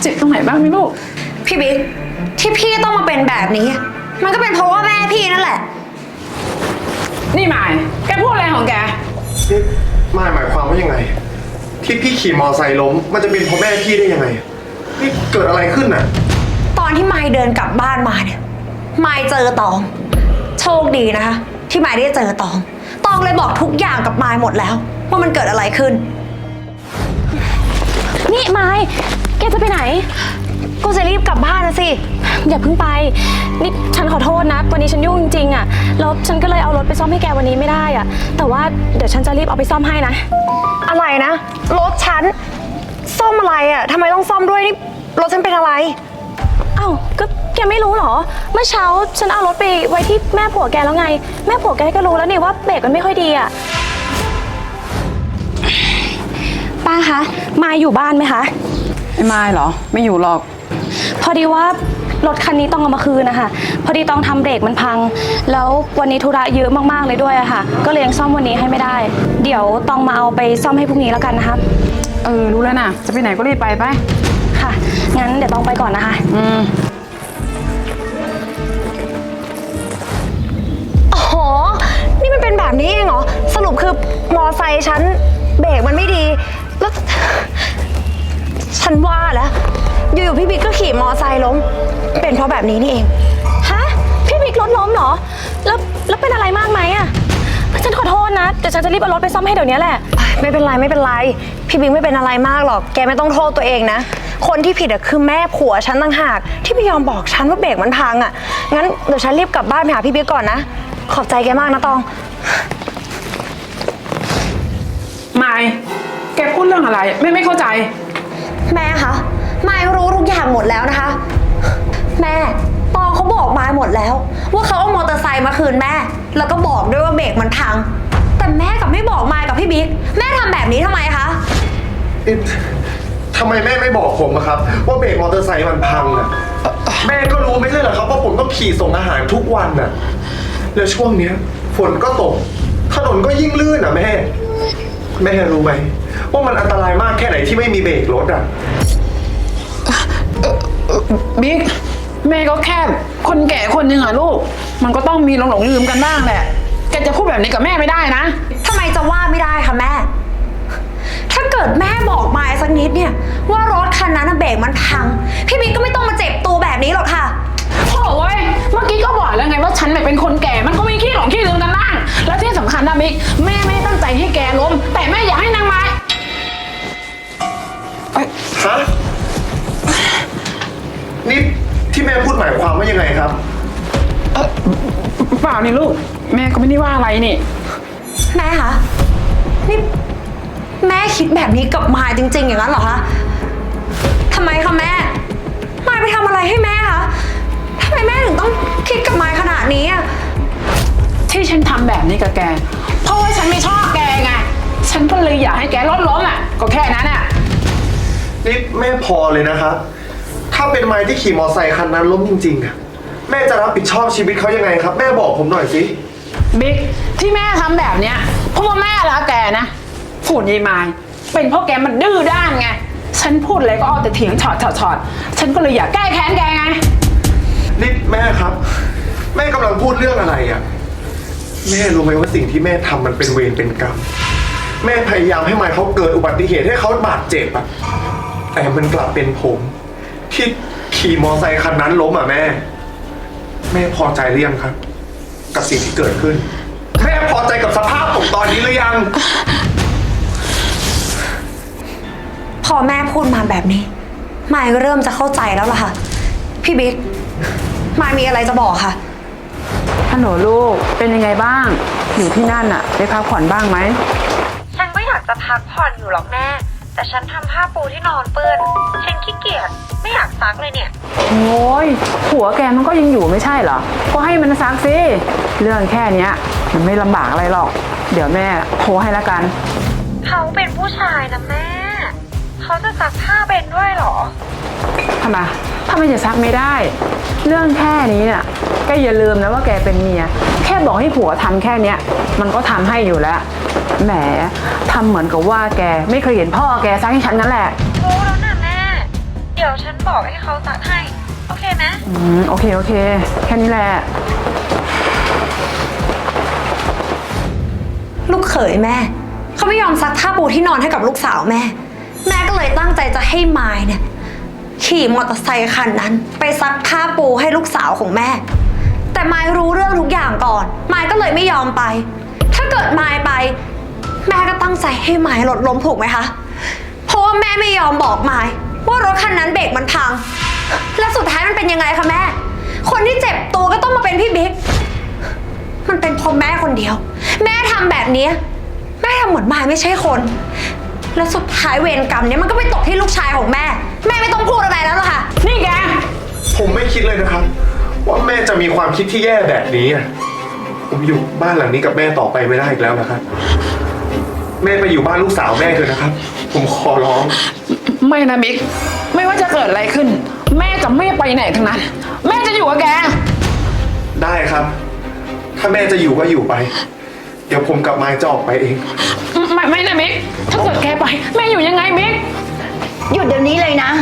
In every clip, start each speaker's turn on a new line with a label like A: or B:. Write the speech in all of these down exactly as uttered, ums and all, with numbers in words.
A: เจ็บตรงไหนบ้างไหมลูก
B: พี่บิ๊กที่พี่ต้องมาเป็นแบบนี้มันก็เป็นเพราะว่าแม่พี่นั่นแหละ
A: นี่หมายแกพูดอะไรของแก
C: นี่มายหมายความว่ายังไงที่พี่ขี่มอไซค์ล้มมันจะเป็นเพราะแม่พี่ได้ยังไงนี่เกิดอะไรขึ้นน่ะ
B: ตอนที่มายเดินกลับบ้านมาเนี่ยมายเจอตองโชคดีนะคะที่มายได้เจอตองตองเลยบอกทุกอย่างกับมายหมดแล้วว่ามันเกิดอะไรขึ้น
D: นี่ไม้แกจะไปไหน
B: ก็จะรีบกลับบ้านนะสิ
D: อย่าเพิ่งไปนี่ฉันขอโทษนะวันนี้ฉันยุ่งจริงๆอ่ะแล้วฉันก็เลยเอารถไปซ่อมให้แกวันนี้ไม่ได้อ่ะแต่ว่าเดี๋ยวฉันจะรีบเอาไปซ่อมให้นะ
B: อะไรนะรถฉันซ่อมอะไรอ่ะทำไมต้องซ่อมด้วยนี่รถฉันเป็นอะไร
D: เอ้าก็แกไม่รู้เหรอเมื่อเช้าฉันเอารถไปไว้ที่แม่ผัวแกแล้วไงแม่ผัวแกก็รู้แล้วนี่ว่าเบรกมันไม่ค่อยดีอ่ะป้าคะมายอยู่บ้านไหมคะ
A: ไม่มายเหรอไม่อยู่หรอก
D: พอดีว่ารถคันนี้ต้องเอามาคืนนะคะพอดีต้องทำเบรกมันพังแล้ววันนี้ธุระเยอะมากๆเลยด้วยอะค่ะก็เลยยังซ่อมวันนี้ให้ไม่ได้เดี๋ยวต้องมาเอาไปซ่อมให้พรุ่งนี้แล้วกันนะครับ
A: เออรู้แล้วนะจะไปไหนก็รีบไปไป
D: ค่ะงั้นเดี๋ยวต้องไปก่อนนะคะ
A: อืม
B: อ๋อนี่มันเป็นแบบนี้เองเหรอสรุปคือมอไซค์ฉันเบรกมันไม่ดีแล้วฉันว่าแล้วอยู่ๆพี่บิ๊กก็ขี่มอไซค์ล้มเป็นเพราะแบบนี้นี่เอง
D: ฮะพี่บิ๊กรถล้มเหรอแล้วแล้วเป็นอะไรมากไหมอะฉันขอโทษนะเดี๋ยวฉันจะรีบเอารถไปซ่อมให้เดี๋ยวนี้แหละ
B: ไม่เป็นไรไม่เป็นไรพี่บิ๊กไม่เป็นอะไรมากหรอกแกไม่ต้องโทษตัวเองนะคนที่ผิดอะคือแม่ผัวฉันต่างหากที่ไม่ยอมบอกฉันว่าเบรกมันพังอะงั้นเดี๋ยวฉันรีบกลับบ้านไปหาพี่บิ๊กก่อนนะขอบใจแกมากนะตอง
A: ไม่แกพูดเรื่องอะไรไม่ไม่เข้าใจ
B: แม่คะมายรู้ทุกอย่างหมดแล้วนะคะแม่ตองเขาบอกมายหมดแล้วว่าเขาเอามอเตอร์ไซค์มาคืนแม่แล้วก็บอกด้วยว่าเบรกมันพังแต่แม่กลับไม่บอกมายกับพี่บิ๊กแม่ทำแบบนี้ทำไมคะ
C: ทำไมแม่ไม่บอกผมอะครับว่าเบรกมอเตอร์ไซค์มันพังอะแม่ก็รู้ไม่ใช่เหรอครับว่าผมต้องขี่ส่งอาหารทุกวันอะแล้วช่วงเนี้ยฝนก็ตกถนนก็ยิ่งลื่นอะแม่แม่รู้ไหมว่ามันอันตรายมากแค่ไหนที่ไม่มีเบรกรถอะ
A: บิ๊กแม่ก็แค่คนแก่คนหนึ่งอะลูกมันก็ต้องมีหลงหลงลืมกันบ้างแหละแกจะพูดแบบนี้กับแม่ไม่ได้นะ
B: ทำไมจะว่าไม่ได้คะแม่ถ้าเกิดแม่บอกมายสักนิดเนี่ยว่ารถคันนั้นเบรกมันพังพี่บิ๊กก็ไม่ต้องมาเจ็บตัวแบบนี้หรอกค่ะ
A: โอ้ยเมื่อกี้ก็บอกแล้วไงว่าฉันเป็นคนแก่มันก็มีขี้หลงขี้ลืมกันบ้างแล้วที่สำคัญนะบิ๊กแม่ไม่ตั้งใจให้แกล้มแต่แม่อยากให้นางไม้
C: ฮะนี่ที่แม่พูดหมายความว่ายังไงครับ
A: เออเปล่านี่ลูกแม่ก็ไม่ได้ว่าอะไรนี่
B: แม่คะนี่แม่คิดแบบนี้กับมายจริงๆอย่างนั้นเหรอคะทำไมคะแม่มายไปทำอะไรให้แม่คะทำไมแม่ถึงต้องคิดกับมายขนาดนี้อะ
A: ที่ฉันทำแบบนี้กับแกเพราะว่าฉันไม่ชอบแกไงฉันก็เลยอยากให้แกลดล้มอ่ะก็แค่นั้นอ่ะ
C: นี่แม่พอเลยนะครับถ้าเป็นไม้ที่ขี่มอไซค์คันนั้นล้มจริงๆอะแม่จะรับผิดชอบชีวิตเขายังไงครับแม่บอกผมหน่อยสิ
A: บิ๊กที่แม่ทำแบบเนี้ยเพราะว่าแม่รักแกนะฝุ่นยายไม้เป็นเพราะแกมันดื้อด้านไงฉันพูดอะไรก็เอาแต่เถียงฉอดฉอดฉอดฉันก็เลยอยากแก้แค้นแกไง
C: นี่แม่ครับแม่กำลังพูดเรื่องอะไรอะแม่รู้ไหมว่าสิ่งที่แม่ทำมันเป็นเวรเป็นกรรมแม่พยายามให้ไม้เขาเกิดอุบัติเหตุให้เขาบาดเจ็บอะแต่มันกลับเป็นผมที่ขี่มอไซค์คันนั้นล้มอ่ะแม่แม่พอใจหรือยังครับกับสิ่งที่เกิดขึ้นแม่พอใจกับสภาพผมตอนนี้หรือยัง
B: พอแม่พูดมาแบบนี้มายก็เริ่มจะเข้าใจแล้วล่ะค่ะพี่บิ๊กมายมีอะไรจะบอกค่ะ
A: ฮัลโหลลูกเป็นยังไงบ้างอยู่ที่นั่นอะได้พักผ่อนบ้างไหม
B: ฉันก็อยากจะพักผ่อนอยู่หรอกแม่แต่ฉันทำผ้าปูที่นอนเปื้อนฉันขี้เกียจไม่อยากซักเลยเนี่ย
A: โอ้ยผัวแกมันก็ยังอยู่ไม่ใช่เหรอก็ให้มันซักสิเรื่องแค่เนี้ยมันไม่ลำบากอะไรหรอกเดี๋ยวแม่โทรให้ละกัน
B: เขาเป็นผู้ชายนะแม่เขาจะซักผ้าเป็นด้วยหรอ
A: ทำไมถ้าไม่จะซักไม่ได้เรื่องแค่นี้เนี่ยแกอย่าลืมนะว่าแกเป็นเมียแค่บอกให้ผัวทำแค่เนี้ยมันก็ทำให้อยู่แล้วแหมทำเหมือนกับว่าแกไม่เคยเห็นพ่อแกซักให้ฉันนั่นแหละ
B: รู้แล้วนะแม่เดี๋ยวฉันนบอกให้เขาซักให้ โอเคไหม
A: อืมโอเคโอเค แค่นี้แหละ
B: ลูกเขยแม่ เขาไม่ยอมซักผ้าปูที่นอนให้กับลูกสาวแม่ แม่ก็เลยตั้งใจจะให้มายเนี่ยขี่มอเตอร์ไซค์คันนั้น ไปซักผ้าปูให้ลูกสาวของแม่ แต่มายรู้เรื่องทุกอย่างก่อนมายก็เลยไม่ยอมไป ถ้าเกิดมายไป แม่ก็ตั้งใจให้มายรถล้มถูกไหมคะเพราะว่าแม่ไม่ยอมบอกมายว่ารถคันนั้นเบรกมันพัง และสุดท้ายมันเป็นยังไงคะแม่ คนที่เจ็บตัวก็ต้องมาเป็นพี่บิ๊กมันเป็นเพราะแม่คนเดียว แม่ทำแบบนี้แม่ทำเหมือนมายไม่ใช่คน แล้วสุดท้ายเวรกรรมเนี้ยมันก็ไปตกที่ลูกชายของแม่ แม่ไม่ต้องพูดอะไรแล้วหรอกค่ะ
A: นี่แก
C: ผมไม่คิดเลยนะครับ ว่าแม่จะมีความคิดที่แย่แบบนี้อะผมอยู่บ้านหลังนี้กับแม่ต่อไปไม่ได้อีกแล้วนะครับ แม่ไปอยู่บ้านลูกสาวแม่เถอะนะครับ ผมขอร้อง
A: ไม่นะบิ๊ก ไม่ว่าจะเกิดอะไรขึ้น แม่จะไม่ไปไหนทั้งนั้น แม่จะอยู่กับแก
C: ได้ครับ ถ้าแม่จะอยู่ก็อยู่ไป เดี๋ยวผมกับมายจะออกไปเอง
A: ไม่ไม่นะบิ๊ก ถ้าเกิดแกไป แม่อยู่ยังไงบิ๊ก
E: หยุดเดี๋ยวนี้เลยนะ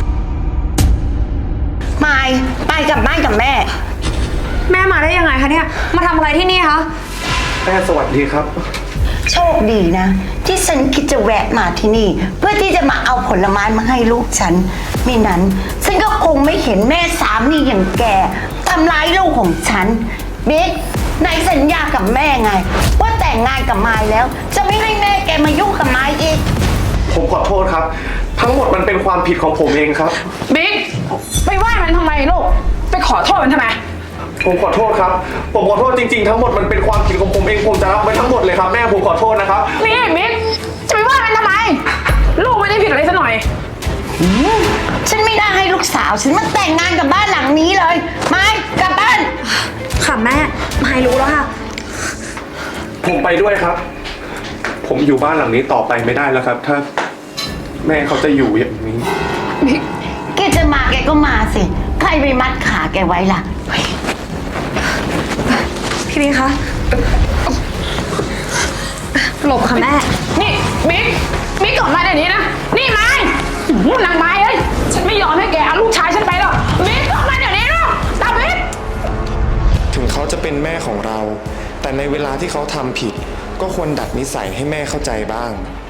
E: มายไปกลับบ้านกับแม่
B: แม่มาได้ยังไงคะเนี่ยมาทำอะไรที่นี่คะ
C: แม่สวัสดีครับ
E: โชคดีนะ ที่ฉันคิดจะแวะมาที่นี่ เพื่อที่จะมาเอาผลไม้มาให้ลูกฉันมินั้นฉันก็คงไม่เห็นแม่สามีอย่างแกทำร้ายลูกของฉันบิ๊กในสัญญากับแม่ไง ว่าแต่งงานกับมายแล้ว จะไม่ให้แม่แกมายุ่งกับมายอีก
C: ผมขอโทษครับ ทั้งหมดมันเป็นความผิดของผมเองครับ
A: บิ๊ก ไปไหว้มันทำไมลูก ไปขอโทษมันทำไม
C: ผมขอโทษครับ ผมขอโทษจริงๆ ทั้งหมดมันเป็นความผิดของผมเอง ผมจะรับไว้ทั้งหมดเลยครับแม่ผมขอโทษนะครับ
A: นี่บิ๊ก จะไปไหว้มันทำไม ลูกไม่ได้ผิดอะไรซะหน่อย
E: ฉันไม่ได้ให้ลูกสาวฉันมาแต่งงานกับบ้านหลังนี้เลยมายกลับบ้าน
B: ค่ะแม่มายรู้แล้วค่ะ
C: ผมไปด้วยครับ ผมอยู่บ้านหลังนี้ต่อไปไม่ได้แล้วครับ ถ้าแม่เขาจะอยู่อย่างนี้
A: บิ๊ก
E: แกจะมาแกก็มาสิ ใครไปมัดขาแกไว้ล่ะ
B: พี่บิ๊กคะหลบค่ะแม่
A: นี่บิ๊ก บิ๊กก่อนมาเดี๋ยวนี้นะ นี่ไม้หูนางไม้เอ้ย ฉันไม่ยอมให้แกเอาลูกชายฉันไปหรอก บิ๊กก่อนมาเดี๋ยวนี้นะตาบิ๊ก
F: ถึงเขาจะเป็นแม่ของเรา แต่ในเวลาที่เขาทำผิด ก็ควรดัดนิสัยให้แม่เข้าใจบ้าง